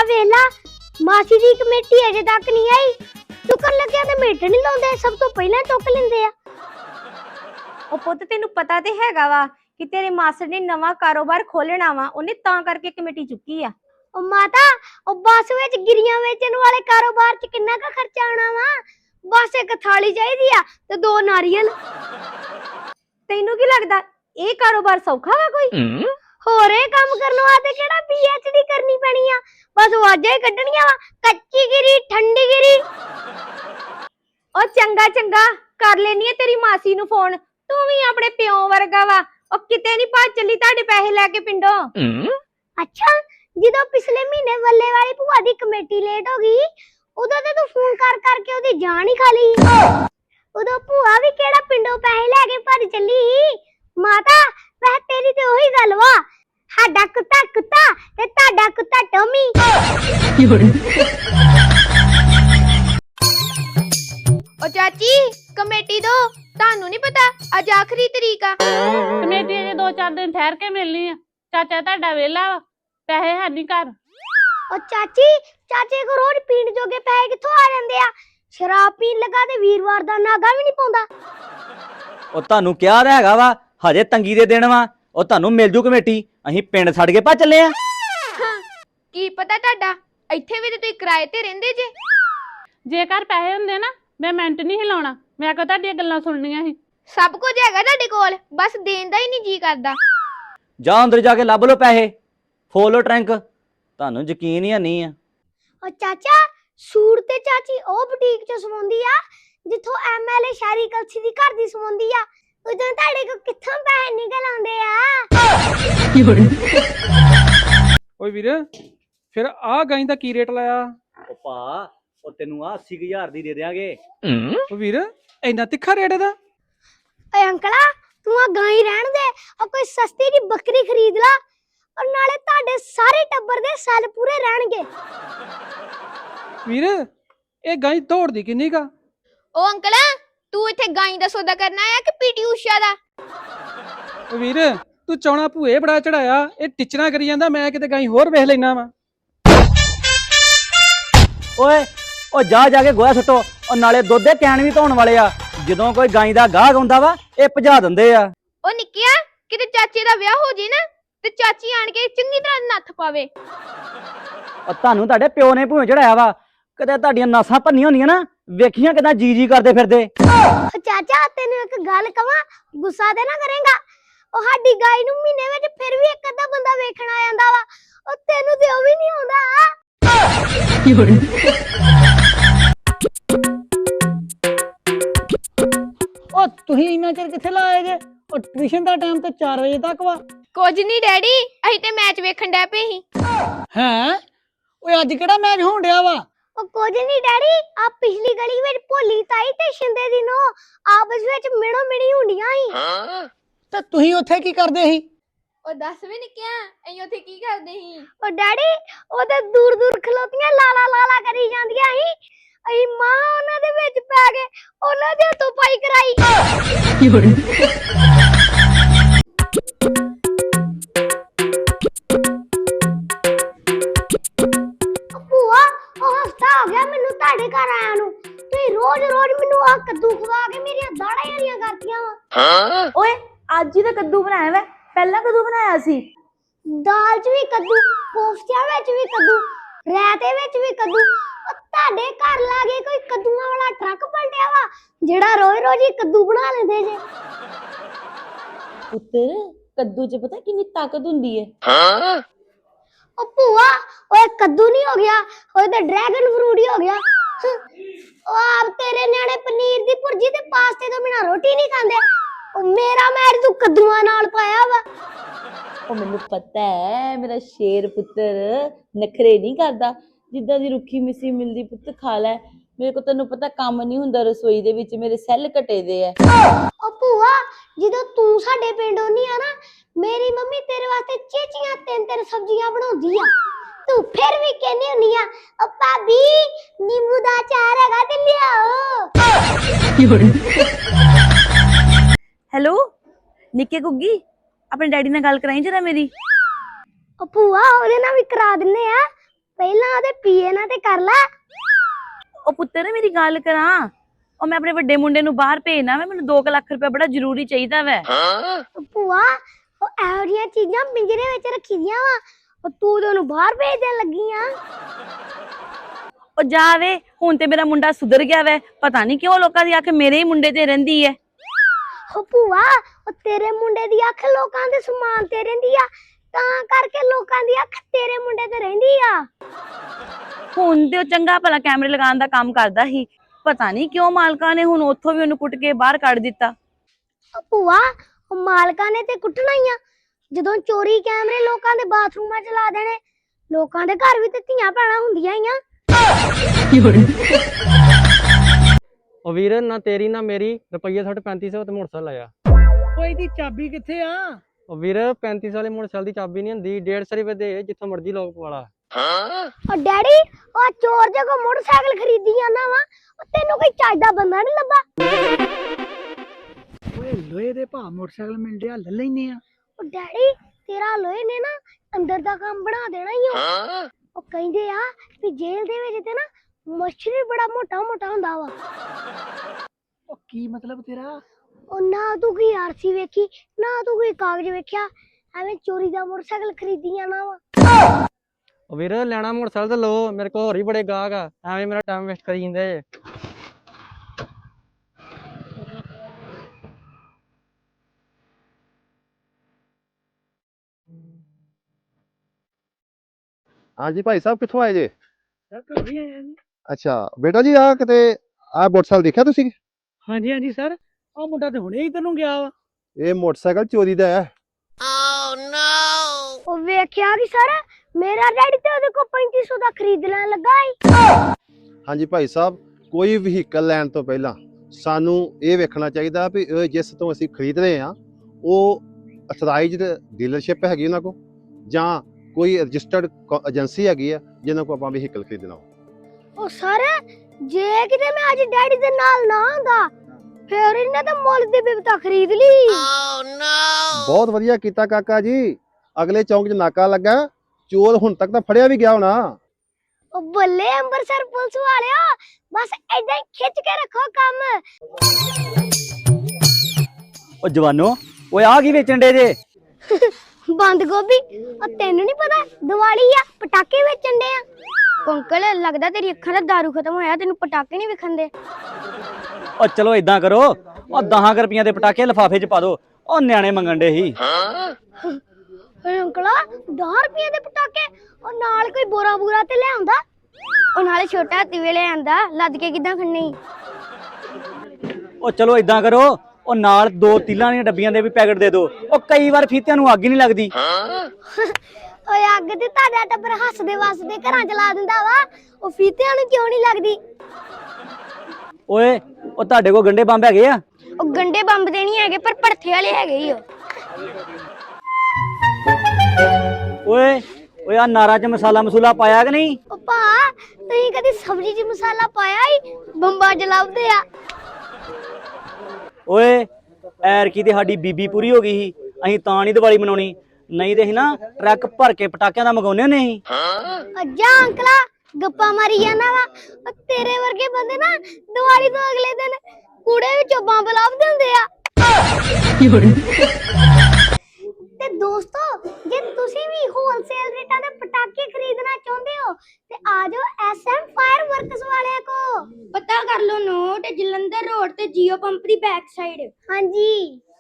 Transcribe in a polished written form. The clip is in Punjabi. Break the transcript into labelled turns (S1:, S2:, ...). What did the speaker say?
S1: वेला मासी दी कमेटी अजे तक नहीं आई। चुकर लग्या ते मेट नहीं लाउंदे, सब तो पहले चुक लेंदे आ।
S2: ओ पुੱਤ ਤੈਨੂੰ ਪਤਾ ਤੇ ਹੈਗਾ ਵਾ ਕਿ ਤੇਰੇ ਮਾਸੜ ਨੇ ਨਵਾਂ ਕਾਰੋਬਾਰ ਖੋਲਣਾ ਵਾ, ਉਹਨੇ ਤਾਂ ਕਰਕੇ ਕਮੇਟੀ ਚੁੱਕੀ ਆ।
S1: ओ माता ओ बस विच गिरियां वेचण वाले कारोबार च किन्ना का खर्चा आना वा? बस एक थाली चाहिदी आ ते दो नारियल।
S2: ਤੈਨੂੰ ਕੀ ਲੱਗਦਾ ਇਹ ਕਾਰੋਬਾਰ ਸੌਖਾ ਵਾ ਕੋਈ?
S1: होर ए काम करन वास्ते केड़ा पीएचडी करनी पैनी आ? बस वाजा ही कड्डणियां वा, कच्ची गिरी ठंडी गिरी।
S2: ओ चंगा चंगा कर लेनी है तेरी मासी नु फोन, तू भी अपने प्यो वर्गा वा। ओ किते नहीं भज चली ताडे पैसे लेके पिंडों।
S1: अच्छा ਜਦੋਂ ਪਿਛਲੇ ਮਹੀਨੇ ਵੱਲੇ ਵਾਲੀ ਭੂਆ ਦੀ ਕਮੇਟੀ ਲੇਟ ਹੋ ਗਈ, ਉਦੋਂ ਤੇ ਤੂੰ ਫੋਨ ਕਰ ਕਰਕੇ ਉਹਦੀ ਜਾਨ ਹੀ ਖਾ ਲਈ। ਉਦੋਂ ਭੂਆ ਵੀ ਕਿਹੜਾ ਪਿੰਡੋਂ ਪੈਸੇ ਲੈ ਕੇ ਭੱਜ ਚੱਲੀ। ਮਾਤਾ ਵੈਸੇ ਤੇਰੀ ਤੇ ਉਹੀ ਗੱਲ ਵਾ, ਸਾਡਾ ਕੁੱਤਾ ਕੁੱਤਾ ਤੇ ਤੁਹਾਡਾ ਕੁੱਤਾ ਟੋਮੀ।
S2: ओ चाची कमेटी दो, तानू नहीं पता अज आखिरी तरीक आ।
S3: कमेटी अजे 2-4 दिन ठहर के मिलनी है। चाचा तुहाडा वेला वा, पैसे है नहीं घर।
S1: ओ चाची चाचे को रोज पीण जोगे पैसे कित्थों आ जांदे आ? शराब पीण लगा ते वीरवार दा नागा भी नहीं पाउंदा।
S4: ਉਹ ਤੁਹਾਨੂੰ ਕਿਹਾ ਤਾਂ ਹੈਗਾ ਵਾ ਹਜੇ ਤੰਗੀ ਦੇ ਦਿਨ ਵਾ, ਉਹ ਤੁਹਾਨੂੰ ਮਿਲ ਜੂ ਕਮੇਟੀ। ਅਸੀਂ ਪਿੰਡ ਛੱਡ ਕੇ ਭੱਜ ਚੱਲੇ ਆ।
S2: की पता ताडा ਇੱਥੇ ਵੀ ਤੇ ਤੁਸੀਂ ਕਿਰਾਏ ਤੇ ਰਹਿੰਦੇ ਜੇ।
S3: जे घर पैसे हुंदे ना मैं मिनट नहीं हिलाउणा, मैं कहा तुहाडीਆਂ ਗੱਲਾਂ ਸੁਣਨੀਆਂ ਸੀ।
S2: सब कुछ हैगा ताडे कोल, बस देन दा ही नहीं जी करदा।
S4: ਜਾ ਅੰਦਰ ਜਾ ਕੇ ਲੱਭ ਲਓ ਪੈਸੇ, ਫੋਲੋ ਟਰੰਕ। ਤੁਹਾਨੂੰ ਯਕੀਨ ਹੀ ਨਹੀਂ ਆ।
S1: ओ चाचा सूट ते चाची ओ बुटीक चों सवाउंदी आ जिथों एमएलए शहरी कलसी दी घर दी सवाउंदी आ। उਦੋਂ ਤੁਹਾਡੇ ਕੋ ਕਿੱਥੋਂ ਪੈਸੇ ਨਿਕਲ ਆਉਂਦੇ ਆ?
S5: ਓਏ ਵੀਰ ਫਿਰ ਆ ਗਾਂ ਦਾ ਕੀ ਰੇਟ ਲਾਇਆ?
S4: ਉਹ ਭਾ ਉਹ ਤੈਨੂੰ ਆ 80000 ਦੀ ਦੇ ਦੇਾਂਗੇ।
S5: ਓ ਵੀਰ ਇੰਨਾ ਤਿੱਖਾ ਰੇਟ ਇਹਦਾ?
S1: ਓਏ ਅੰਕਲਾ ਤੂੰ ਆ ਗਾਂ ਹੀ ਰਹਿਣ ਦੇ, ਆ ਕੋਈ ਸਸਤੀ ਦੀ ਬੱਕਰੀ ਖਰੀਦ ਲਾ, ਔਰ ਨਾਲੇ ਤੁਹਾਡੇ ਸਾਰੇ ਟੱਬਰ ਦੇ ਸਾਲ ਪੂਰੇ ਰਹਿਣਗੇ।
S5: ਵੀਰ ਇਹ ਗਾਂ ਦੌੜਦੀ ਕਿੰਨੀ ਕਾ?
S2: ओ अंकल तू इथे गाई दा सौदा करना आया कि पीटी उषा दा?
S5: ਓ ਵੀਰ ਤੂੰ ਚੌਣਾ ਭੂਏ ਬੜਾ ਚੜਾਇਆ, ਇਹ ਟਿਚਣਾ ਕਰੀ ਜਾਂਦਾ, ਮੈਂ ਕਿਤੇ ਗਾਂ ਹੋਰ ਵੇਖ ਲੈਣਾ ਵਾ।
S4: ਓਏ ਉਹ ਜਾ ਜਾ ਕੇ ਗੋਹਾ ਸੁੱਟੋ, ਉਹ ਨਾਲੇ ਦੁੱਧ ਦੇ ਕੈਨ ਵੀ ਧੋਣ ਵਾਲੇ ਆ। ਜਦੋਂ ਕੋਈ ਗਾਂ ਦਾ ਗਾਹਕ ਆਉਂਦਾ ਵਾ ਇਹ ਭਜਾ ਦਿੰਦੇ ਆ।
S2: ओ निक्किया किते चाचे दा ब्याह हो जे ना ते चाची आण के चंगी तरह नੱਥ पावे।
S4: ਉਹ ਤੁਹਾਨੂੰ ਤੁਹਾਡੇ ਪਿਓ ਨੇ ਭੂਏ ਚੜਾਇਆ ਵਾ, ਕਦੇ ਤੁਹਾਡੀਆਂ ਨਾਸਾਂ ਭੰਨੀਆਂ ਹੁੰਦੀਆਂ ਨਾ, ਵੇਖੀਆਂ ਕਿਦਾਂ ਜੀ ਜੀ ਕਰਦੇ ਫਿਰਦੇ।
S1: ਓ ਚਾਚਾ ਤੈਨੂੰ ਇੱਕ ਗੱਲ ਕਵਾਂ, ਗੁੱਸਾ ਤੇ ਨਾ ਕਰੇਗਾ? ਉਹ ਸਾਡੀ ਗਾਈ ਨੂੰ ਮਹੀਨੇ ਵਿੱਚ ਫਿਰ ਵੀ ਇੱਕ ਅੱਧਾ ਬੰਦਾ ਵੇਖਣ ਆ ਜਾਂਦਾ ਵਾ, ਉਹ ਤੈਨੂੰ ਤੇ ਉਹ ਵੀ ਨਹੀਂ ਆਉਂਦਾ।
S6: ਉਹ ਤੁਸੀਂ ਇੰਨਾ ਚਿਰ ਕਿੱਥੇ ਲਾਏ ਜੇ? ਉਹ ਟਿਊਸ਼ਨ ਦਾ ਟਾਈਮ ਤੇ 4 ਵਜੇ ਤੱਕ ਵਾ।
S2: ਕੁਝ ਨਹੀਂ ਡੈਡੀ, ਅਸੀਂ ਤੇ ਮੈਚ ਵੇਖਣ ਡੈ ਪਏ ਸੀ।
S6: ਹੈਂ ਓਏ ਅੱਜ ਕਿਹੜਾ ਮੈਚ ਹੋਣ ਡਿਆ ਵਾ?
S1: ਉਹ ਕੁਝ ਨਹੀਂ ਡੈਡੀ, ਆ ਪਿਛਲੀ ਗਲੀ ਵਿੱਚ ਭੋਲੀ ਤਾਈ ਤੇ ਸ਼ਿੰਦੇ ਦੀ ਨੋ ਆਪਸ ਵਿੱਚ ਮਿਣੋ ਮਿਣੀ ਹੁੰਦੀਆਂ ਸੀ।
S6: ਤੇ ਤੁਸੀਂ ਉੱਥੇ ਕੀ ਕਰਦੇ ਸੀ?
S2: ਉਹ ਦੱਸ ਵੀ ਨਿੱਕਿਆ ਅਸੀਂ ਉੱਥੇ ਕੀ ਕਰਦੇ ਸੀ?
S1: ਉਹ ਡੈਡੀ ਉਹ ਤੇ ਦੂਰ ਦੂਰ ਖਲੋਤੀਆਂ ਲਾਲਾ ਲਾਲਾ ਕਰੀ ਜਾਂਦੀਆਂ ਸੀ। ਅਸੀਂ ਮਾਂ ਉਹਨਾਂ ਦੇ ਵਿੱਚ ਪੈ ਗਏ, ਉਹਨਾਂ ਦੇ ਹੱਥੋਂ ਪਾਈ ਕਰਾਈ। ਭੂਆ ਉਹ ਹਫਤਾ ਹੋ ਗਿਆ ਮੈਨੂੰ ਤੁਹਾਡੇ ਘਰ ਆਇਆ ਨੂੰ, ਤੁਸੀਂ ਰੋਜ਼ ਰੋਜ਼ ਮੈਨੂੰ ਆ ਕੱਦੂ ਖਵਾ ਕੇ ਮੇਰੀਆਂ ਦਾੜਾਂ ਹਰੀਆਂ ਕਰਤੀਆਂ ਵਾ।
S2: ਓਏ ਅੱਜ ਹੀ ਤਾਂ ਕੱਦੂ ਬਣਾਇਆ ਵਾ, ਪਹਿਲਾਂ ਕਦੋਂ ਬਣਾਇਆ ਸੀ?
S1: ਦਾਲ 'ਚ ਵੀ ਕੱਦੂ, ਕੋਫਤਿਆਂ ਵਿੱਚ ਵੀ ਕੱਦੂ, ਰਾਇਤੇ ਵਿੱਚ ਵੀ ਕੱਦੂ। ਉਹ ਤੁਹਾਡੇ ਘਰ ਲਾਗੇ ਕੋਈ ਕੱਦੂਆਂ ਵਾਲਾ ਟਰੱਕ ਪਲਟਿਆ ਵਾ ਜਿਹੜਾ ਰੋਜ਼ ਰੋਜ਼ ਹੀ ਕੱਦੂ ਬਣਾ ਲੈਂਦੇ ਜੇ।
S7: ਪੁੱਤਰ ਕੱਦੂ 'ਚ ਪਤਾ ਕਿੰਨੀ ਤਾਕਤ ਹੁੰਦੀ ਹੈ?
S1: ਉਹ ਭੂਆ ਓਏ ਕੱਦੂ ਨਹੀਂ ਹੋ ਗਿਆ, ਓਏ ਤੇ ਡਰੈਗਨ ਫਰੂਟ ਹੀ ਹੋ ਗਿਆ। ਉਹ ਆਪ ਤੇਰੇ ਨਿਆਣੇ ਪਨੀਰ ਦੀ ਭੁਰਜੀ ਤੇ ਪਾਸਤੇ ਤੋਂ ਬਿਨਾ ਰੋਟੀ ਨਹੀਂ ਖਾਂਦੇ, ਉਹ ਮੇਰਾ ਮੈਚ ਤੂੰ ਕੱਦੂਆਂ ਨਾਲ ਪਾਇਆ ਵਾ।
S7: ਉਹ ਮੈਨੂੰ ਪਤਾ ਹੈ ਮੇਰਾ ਸ਼ੇਰ ਪੁੱਤਰ ਨਖਰੇ ਨਹੀਂ ਕਰਦਾ, ਜਿੱਦਾਂ ਦੀ ਰੁੱਖੀ ਮਿੱਸੀ ਮਿਲਦੀ ਪੁੱਤ ਖਾ ਲੈ। ਮੇਰੇ ਕੋ ਤੈਨੂੰ ਪਤਾ ਕੰਮ ਨਹੀਂ ਹੁੰਦਾ ਰਸੋਈ ਦੇ ਵਿੱਚ, ਮੇਰੇ ਸੈੱਲ ਘਟੇ ਦੇ ਆ।
S1: ਉਹ ਭੂਆ ਜਦੋਂ ਤੂੰ ਸਾਡੇ ਪਿੰਡ ਆਉਣੀ ਆ ਨਾ, ਮੇਰੀ ਮੰਮੀ ਤੇਰੇ ਵਾਸਤੇ ਚੇਚੀਆਂ 3-3 ਸਬਜ਼ੀਆਂ ਬਣਾਉਂਦੀ ਆ, ਤੂੰ ਫਿਰ ਵੀ ਕਹਿੰਦੀ ਹੁੰਨੀ ਆ ਉਹ ਭਾਬੀ ਨਿੰਬੂ ਦਾ ਅਚਾਰ ਹੈਗਾ ਤੇ ਲਿਆਓ।
S7: ਹੈਲੋ ਨਿੱਕੇ ਗੁੱਗੀ, ਆਪਣੇ ਡੈਡੀ ਨਾਲ ਗੱਲ ਕਰਾਈ ਜਰਾ ਮੇਰੀ।
S1: ਉਹ ਭੂਆ ਉਹਦੇ ਨਾਲ ਵੀ ਕਰਾ ਦਿੰਨੇ ਆ, ਪਹਿਲਾਂ ਉਹਦੇ ਪੀਏ ਨਾਲ ਤੇ ਕਰ ਲੈ।
S7: ਉਹ ਪੁੱਤਰ ਮੇਰੀ ਗੱਲ ਕਰਾਂ, ਉਹ ਮੈਂ ਆਪਣੇ ਵੱਡੇ ਮੁੰਡੇ ਨੂੰ ਬਾਹਰ ਭੇਜਣਾ ਵਾ, ਮੈਨੂੰ 2 ਲੱਖ ਰੁਪਏ ਬੜਾ ਜ਼ਰੂਰੀ ਚਾਹੀਦਾ ਵੈ।
S1: ਭੂਆ ਉਹ ਇਹੋ ਜਿਹੀਆਂ ਚੀਜ਼ਾਂ ਪਿੰਜਰੇ ਵਿੱਚ ਰੱਖੀ ਦੀਆਂ ਵਾ, ਉਹ ਤੂੰ ਤੇ ਉਹਨੂੰ ਬਾਹਰ ਭੇਜ ਦੇਣ ਲੱਗੀ ਆ।
S7: ਉਹ ਜਾਵੇ, ਹੁਣ ਤੇ ਮੇਰਾ ਮੁੰਡਾ ਸੁਧਰ ਗਿਆ ਵੈ, ਪਤਾ ਨਹੀਂ ਕਿਉਂ ਲੋਕਾਂ ਦੀ ਅੱਖ ਮੇਰੇ ਹੀ ਮੁੰਡੇ ਤੇ ਰਹਿੰਦੀ ਹੈ।
S1: ਉਹ ਭੂਆ ਉਹ ਤੇਰੇ ਮੁੰਡੇ ਦੀ ਅੱਖ ਲੋਕਾਂ ਦੇ ਸਮਾਨ ਤੇ ਰਹਿੰਦੀ ਆ, ਤਾਂ ਕਰਕੇ ਲੋਕਾਂ ਦੀ ਅੱਖ ਤੇਰੇ ਮੁੰਡੇ ਤੇ ਰਹਿੰਦੀ ਆ।
S7: ਹੁਣ ਤੇ ਉਹ ਚੰਗਾ ਭਲਾ ਕੈਮਰੇ ਲਗਾਉਣ ਦਾ ਕੰਮ ਕਰਦਾ ਸੀ, ਪਤਾ ਨਹੀਂ ਕਿਉਂ ਮਾਲਕਾਂ ਨੇ ਹੁਣ ਉੱਥੋਂ ਵੀ ਉਹਨੂੰ ਕੁੱਟ ਕੇ ਬਾਹਰ ਕੱਢ ਦਿੱਤਾ।
S1: ਉਹ ਭੂਆ ਉਹ ਮਾਲਕਾਂ ਨੇ ਤੇ ਕੁੱਟਣਾ ਹੀ ਆ, ਜਦੋਂ ਚੋਰੀ ਕੈਮਰੇ ਲੋਕਾਂ ਦੇ ਬਾਥਰੂਮਾਂ 'ਚ ਲਾ ਦੇਣੇ। ਲੋਕਾਂ ਦੇ ਘਰ ਵੀ ਤੇ ਧੀਆਂ ਭੈਣਾਂ ਹੁੰਦੀਆਂ ਹੀ ਆ।
S5: ਉਹ ਵੀਰ ਨਾ ਤੇਰੀ ਨਾ ਮੇਰੀ ਰੁਪਈਆ 3500 ਤੇ ਮੋਟਰਸਾਈਕਲ ਆਇਆ।
S6: ਓਏ ਇਹਦੀ ਚਾਬੀ ਕਿੱਥੇ ਆ?
S5: ਉਹ ਵੀਰ 3500 ਵਾਲੇ ਮੋਟਰਸਾਈਕਲ ਦੀ ਚਾਬੀ ਨਹੀਂ ਹੁੰਦੀ, 150 ਰੁਪਏ ਦੇ ਜਿੱਥੋਂ ਮਰਜ਼ੀ ਲੋਕ ਪਵਾਲਾ।
S1: ਉਹ ਡੈਡੀ ਉਹ ਚੋਰ ਜੇ ਕੋ ਮੋਟਰਸਾਈਕਲ ਖਰੀਦੀ ਜਾਂਦਾ ਵਾ, ਉਹ ਤੈਨੂੰ ਕੋਈ ਚੱਜ ਦਾ ਬੰਦਾ ਨਹੀਂ ਲੱਭਾ।
S6: ਓਏ ਲੋਹੇ ਦੇ ਭਾਅ ਮੋਟਰਸਾਈਕਲ ਮਿਲ ਰਿਹਾ, ਲੈ ਲੈਨੇ ਆ।
S1: ਉਹ ਡੈਡੀ ਤੇਰਾ ਲੋਹੇ ਨੇ ਨਾ ਅੰਦਰ ਦਾ ਕੰਮ ਬਣਾ ਦੇਣਾ ਹੀ ਆ। ਉਹ ਕਹਿੰਦੇ ਆ ਵੀ ਜੇਲ੍ਹ ਦੇ ਵਿੱਚ ਤੇ ਨਾ ਮੱਛਰ ਬੜਾ ਮੋਟਾ ਮੋਟਾ ਹੁੰਦਾ ਵਾ।
S6: ਉਹ ਕੀ ਮਤਲਬ ਤੇਰਾ?
S1: ਉਹ ਨਾ ਤੂੰ ਕੋਈ ਆਰਸੀ ਵੇਖੀ ਨਾ ਤੂੰ ਕੋਈ ਕਾਗਜ਼ ਵੇਖਿਆ, ਐਵੇਂ ਚੋਰੀ ਦਾ ਮੋਟਰਸਾਈਕਲ ਖਰੀਦੀ ਜਾਣਾ ਵਾ।
S5: ਉਹ ਵੀਰ ਲੈਣਾ ਮੋਟਰਸਾਈਕਲ ਤੇ ਲਓ, ਮੇਰੇ ਕੋਲ ਹੋਰ ਹੀ ਬੜੇ ਗਾਹਕ ਆ, ਐਵੇਂ ਮੇਰਾ ਟਾਈਮ ਵੇਸਟ ਕਰੀ ਜਾਂਦੇ।
S8: ਹਾਂਜੀ ਭਾਈ ਸਾਹਿਬ ਕਿੱਥੋਂ ਆਏ ਜੇ?
S6: ਸਰ ਘਰ ਵੀ ਆਇਆ ਜੀ।
S8: ਅੱਛਾ ਬੇਟਾ ਜੀ ਆ ਕਿਤੇ ਆ ਮੋਟਰਸਾਈਕਲ ਦੇਖਿਆ ਤੁਸੀਂ?
S6: ਹਾਂਜੀ ਹਾਂਜੀ ਸਰ, ਉਹ ਮੁੰਡਾ ਤੇ ਹੁਣੇ ਹੀ ਤੈਨੂੰ ਗਿਆ ਵਾ।
S8: ਇਹ ਮੋਟਰਸਾਈਕਲ ਚੋਰੀ ਦਾ ਹੈ।
S1: ਉਹ ਵੇਖਿਆ ਕਿ ਸਰ ਮੇਰਾ ਡੈਡੀ ਤੇ ਉਹਦੇ ਕੋਲ 3500 ਦਾ ਖਰੀਦ ਲੈਣ ਲੱਗਾ ਈ।
S8: ਹਾਂਜੀ ਭਾਈ ਸਾਹਿਬ, ਕੋਈ ਵਹੀਕਲ ਲੈਣ ਤੋਂ ਪਹਿਲਾਂ ਸਾਨੂੰ ਇਹ ਵੇਖਣਾ ਚਾਹੀਦਾ ਵੀ ਇਹ ਜਿਸ ਤੋਂ ਅਸੀਂ ਖਰੀਦ ਰਹੇ ਹਾਂ ਉਹ ਅਥਰਾਈਜ਼ਡ ਡੀਲਰਸ਼ਿਪ ਹੈਗੀ ਉਹਨਾਂ ਕੋਲ ਜਾਂ ਕੋਈ ਰਜਿਸਟਰਡ ਏਜੰਸੀ ਹੈਗੀ ਆ ਜਿਹਨਾਂ ਕੋਲ ਆਪਾਂ ਵਹੀਕਲ ਖਰੀਦਣਾ ਹੋ।
S1: ਉਹ ਸਰ ਜੇ ਕਿਤੇ ਮੈਂ ਅੱਜ ਡੈਡੀ ਦੇ ਨਾਲ ਨਾ ਹੁੰਦਾ ਫਿਰ ਇਹਨੇ ਤਾਂ ਮੁੱਲ ਦੀ ਬਿਪਤਾ ਖਰੀਦ ਲਈ।
S8: ਬਹੁਤ ਵਧੀਆ ਕੀਤਾ ਕਾਕਾ ਜੀ, ਅਗਲੇ ਚੌਂਕ 'ਚ ਨਾਕਾ ਲੱਗਾ, ਚੋਰ ਹੁਣ ਤੱਕ ਤਾਂ ਫੜਿਆ ਵੀ ਗਿਆ ਹੋਣਾ।
S1: ਉਹ ਬੱਲੇ ਅੰਮ੍ਰਿਤਸਰ ਪੁਲਿਸ ਵਾਲਿਓ, ਬਸ ਏਦਾਂ ਹੀ ਖਿੱਚ ਕੇ ਰੱਖੋ ਕੰਮ।
S4: ਉਹ ਜਵਾਨੋ ਓਏ ਆ ਕੀ ਵੇਚਣ ਡੇ ਜੇ?
S1: ਬੰਦ ਗੋਭੀ, ਉਹ ਤੈਨੂੰ ਨਹੀਂ ਪਤਾ ਦੀਵਾਲੀ ਆ ਪਟਾਕੇ ਵੇਚਣ ਦੇ ਆ। ਅੰਕਲ ਲੱਗਦਾ ਤੇਰੀ ਅੱਖਾਂ ਦਾ ਦਾਰੂ ਖਤਮ ਹੋਇਆ, ਤੈਨੂੰ ਪਟਾਕੇ ਨਹੀਂ ਵਿਖਣ ਦੇ।
S4: ਉਹ ਚਲੋ ਇਦਾਂ ਕਰੋ, ਉਹ 10 ਰੁਪਈਆਂ ਦੇ ਪਟਾਕੇ ਲਿਫਾਫੇ 'ਚ ਪਾ ਦੋ, ਉਹ ਨਿਆਣੇ ਮੰਗਣ ਡੇ ਸੀ।
S1: ਓਏ ਅੰਕਲਾ 10 ਰੁਪਏ ਦੇ ਪਟਾਕੇ, ਉਹ ਨਾਲ ਕੋਈ ਬੋਰਾ ਬੂਰਾ ਤੇ ਲੈ ਆਉਂਦਾ। ਉਹ ਨਾਲੇ ਛੋਟਾ ਹਾਥੀ ਵੇਲੇ ਆਂਦਾ, ਲੱਦ ਕੇ ਕਿਦਾਂ ਖੰਨੀ।
S4: ਉਹ ਚਲੋ ਇਦਾਂ ਕਰੋ, ਉਹ ਨਾਲ 2 ਤੀਲਾਂ ਦੀਆਂ ਡੱਬੀਆਂ ਦੇ ਵੀ ਪੈਕਟ ਦੇ ਦਿਓ, ਉਹ ਕਈ ਵਾਰ ਫੀਤਿਆਂ ਨੂੰ ਅੱਗ ਹੀ ਨਹੀਂ ਲੱਗਦੀ।
S1: ਓਏ ਅੱਗ ਤੇ ਤੁਹਾਡਾ ਟੱਬਰ ਹੱਸਦੇ ਵਸਦੇ ਘਰਾਂ ਚ ਲਾ ਦਿੰਦਾ ਵਾ, ਉਹ ਫੀਤਿਆਂ ਨੂੰ ਕਿਉਂ ਨਹੀਂ ਲੱਗਦੀ?
S4: ਓਏ ਉਹ ਤੁਹਾਡੇ ਕੋਲ ਗੰਡੇ ਬੰਬ ਹੈਗੇ ਆ?
S1: ਉਹ ਗੰਡੇ ਬੰਬ ਦੇ ਨਹੀਂ ਹੈਗੇ, ਪਰ ਭੜਥੇ ਵਾਲੇ ਹੈਗੇ ਹੀ।
S4: ਓਏ ਓਏ ਆ ਨਾਰਾਂ 'ਚ ਮਸਾਲਾ ਮਸੂਲਾ ਪਾਇਆ ਕਿ ਨਹੀਂ?
S1: ਉਹ ਭਾ ਤੁਸੀਂ ਕਦੀ ਸਬਜ਼ੀ 'ਚ ਮਸਾਲਾ ਪਾਇਆ ਹੀ? ਬੰਬਾਂ ਚ ਲੱਭਦੇ ਆ।
S4: ਓਏ ਐਰਕੀ ਤੇ ਸਾਡੀ ਬੀਬੀ ਪੂਰੀ ਹੋ ਗਈ ਸੀ, ਅਸੀਂ ਤਾਂ ਨਹੀਂ ਦੀਵਾਲੀ ਮਨਾਉਣੀ, ਨਹੀਂ ਤੇ ਅਸੀਂ ਨਾ ਟਰੱਕ ਭਰ ਕੇ ਪਟਾਕਿਆਂ ਦਾ ਮੰਗਾਉਂਦੇ ਹੁੰਦੇ ਸੀ।
S1: ਅੱਜਾ ਅੰਕਲਾ ਗੱਪਾਂ ਮਾਰੀ ਜਾਂਦਾ ਵਾ, ਉਹ ਤੇਰੇ ਵਰਗੇ ਬੰਦੇ ਨਾ ਦੀਵਾਲੀ ਤੋਂ ਅਗਲੇ ਦਿਨ ਕੂੜੇ ਵਿੱਚੋਂ ਬੰਬ ਲੱਭਦੇ ਹੁੰਦੇ ਆ। ਤੇ ਦੋਸਤੋ ਜੇ ਤੁਸੀਂ ਵੀ ਹੋਲਸੇਲ ਰੇਟਾਂ ਦੇ ਪਟਾਕੇ ਖਰੀਦਣਾ ਚਾਹੁੰਦੇ ਹੋ ਤੇ ਆ ਜਾਓ ਐਸਐਮ ਫਾਇਰ ਵਰਕਸ ਵਾਲਿਆਂ ਕੋ। ਪਤਾ ਕਰ ਲਓ ਨੋਟ ਜਲੰਧਰ ਰੋਡ ਤੇ ਜੀਓ ਪੰਪ ਦੀ ਬੈਕ ਸਾਈਡ। ਹਾਂਜੀ।